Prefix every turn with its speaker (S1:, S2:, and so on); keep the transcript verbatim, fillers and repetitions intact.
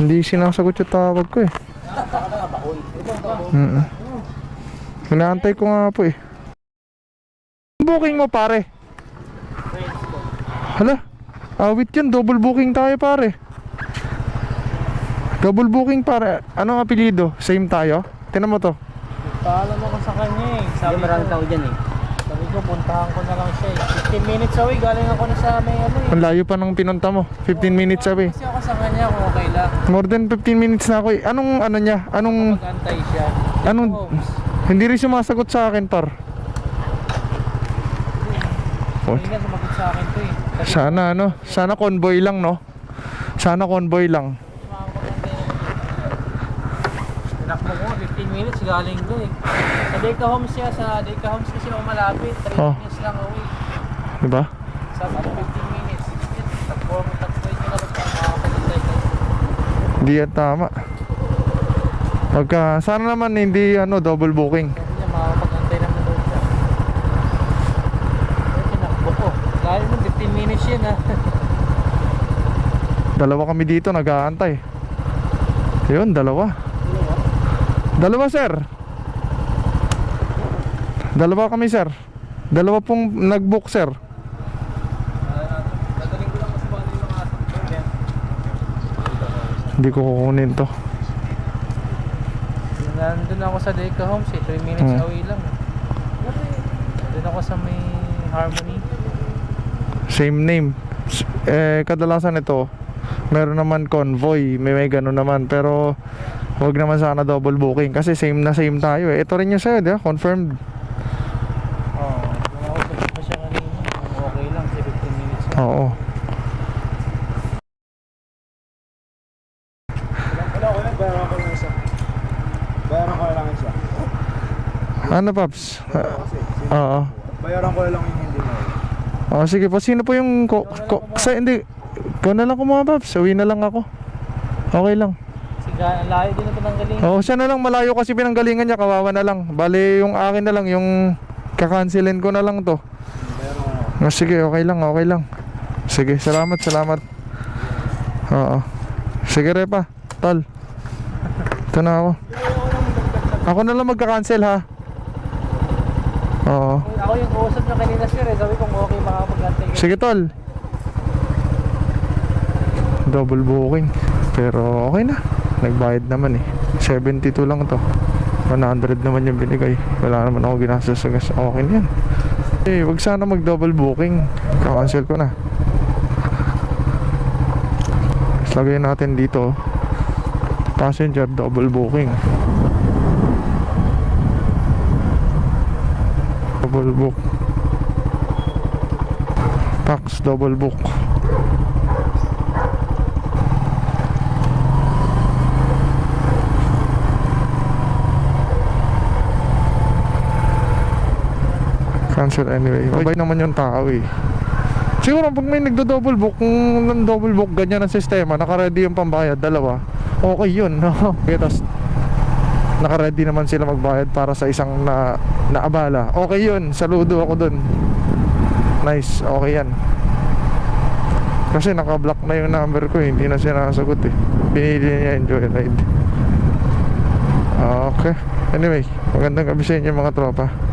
S1: Hindi sinasagot yung tawag ko eh. Mm-mm. Inaantay ko nga po eh. Booking mo pare? Hala, awit yun, double booking tayo pare. Double booking pare. Anong apelido? Same tayo? Tinan mo to.
S2: Paalam ako sa kanya eh. Sabi ko, maraming tao dyan eh. Sabi ko, puntahan ko na lang siya eh. fifteen minutes away, galing ako na sa may ano eh.
S1: Ang layo pa ng pinunta mo. fifteen minutes away.
S2: Kasi ako sa kanya kung okay lang.
S1: More than fifteen minutes na ako eh. Anong ano niya? Anong...
S2: Mag-antay siya.
S1: Anong... Hindi rin sumasagot sa akin par.
S2: Hindi nga sumagot sa akin to eh. Sabi
S1: Sana ano? Sana convoy lang no? Sana convoy lang.
S2: Tinakbo ko, fifteen minutes galing doon eh. Sa Deca Homes siya, sa Deca Homes kasi ako malapit. three
S1: Oh.
S2: minutes lang away.
S1: Diba?
S2: Sa ano, fifteen minutes. Takbo mo, takbo yun na lang sa makakapagintay ko.
S1: Hindi yan tama. Pagka... Sana naman hindi ano double booking.
S2: Sabi niya, makakapagantay naman doon siya. Kaya tinakbo ko. Dahil mo, fifteen minutes yun ah.
S1: Dalawa kami dito nag-aantay. Yun, dalawa. Dalawa sir. Dalawa kami sir. Dalawa pong nag-book sir.
S2: Dadaling ko lang mas bali yung aso.
S1: Hindi ko kukunin to.
S2: Nandun ako sa Deca Homes eh, three minutes
S1: Hmm.
S2: away lang. Nandun ako sa may Harmony.
S1: Same name. S- Eh kadalasan ito meron naman convoy, may may gano'n naman, pero wag naman sana double booking kasi same na same tayo eh. Ito rin yung sa'yo, di ba? Confirmed.
S2: Oo. Kung ako sabi pa siya kanina, kung okay lang, kasi fifteen minutes lang.
S1: Oo.
S3: Wala ko lang, bayaran ko lang isa. Bayaran ko lang isa.
S1: Ano Paps? Ah, Oo.
S3: Bayaran ko lang yung hindi mo.
S1: Oh, sige po. Sino po yung ko, ko, sa, hindi. Ikaw na lang kumuha Paps. Uwi na lang ako. Okay lang.
S2: Sige, ang layo din na pinanggaling.
S1: Oo, siya na lang, malayo kasi pinanggalingan niya, kawawa na lang. Bale, yung akin na lang, yung kakansilin ko na lang to.
S3: Bayaran ko na.
S1: Oh, sige, okay lang, okay lang. Sige, salamat, salamat. Oo. Sige Repa, tol. Ito na ako. Ako na lang magka-cancel ha. Oo.
S2: Ako yung kausap na kanina sir eh, sabi kong okay makakapag-antay ka.
S1: Sige tol. Double booking. Pero okay na. Nagbayad naman eh. seventy-two lang to. one hundred naman yung binigay. Wala naman ako ginastos sa gas. Okay na yan. Eh, wag sana mag double booking. Kakancel ko na. Tapos lagay natin dito. Passenger double booking. Double book. Tax double book. Cancel anyway. Mabay naman yung tao eh. Siguro pag may nagdo-double book, kung double book ganyan ang sistema, naka-ready yung pambayad, dalawa, okay yun, no? Okay, tapos naka-ready naman sila magbayad para sa isang na naabala. Okay yun, saludo ako dun. Nice, okay yan. Kasi naka-block na yung number ko eh, hindi na sinasagot eh. Pinili niya yung joyride. Okay. Anyway, magandang gabi sa inyo mga tropa.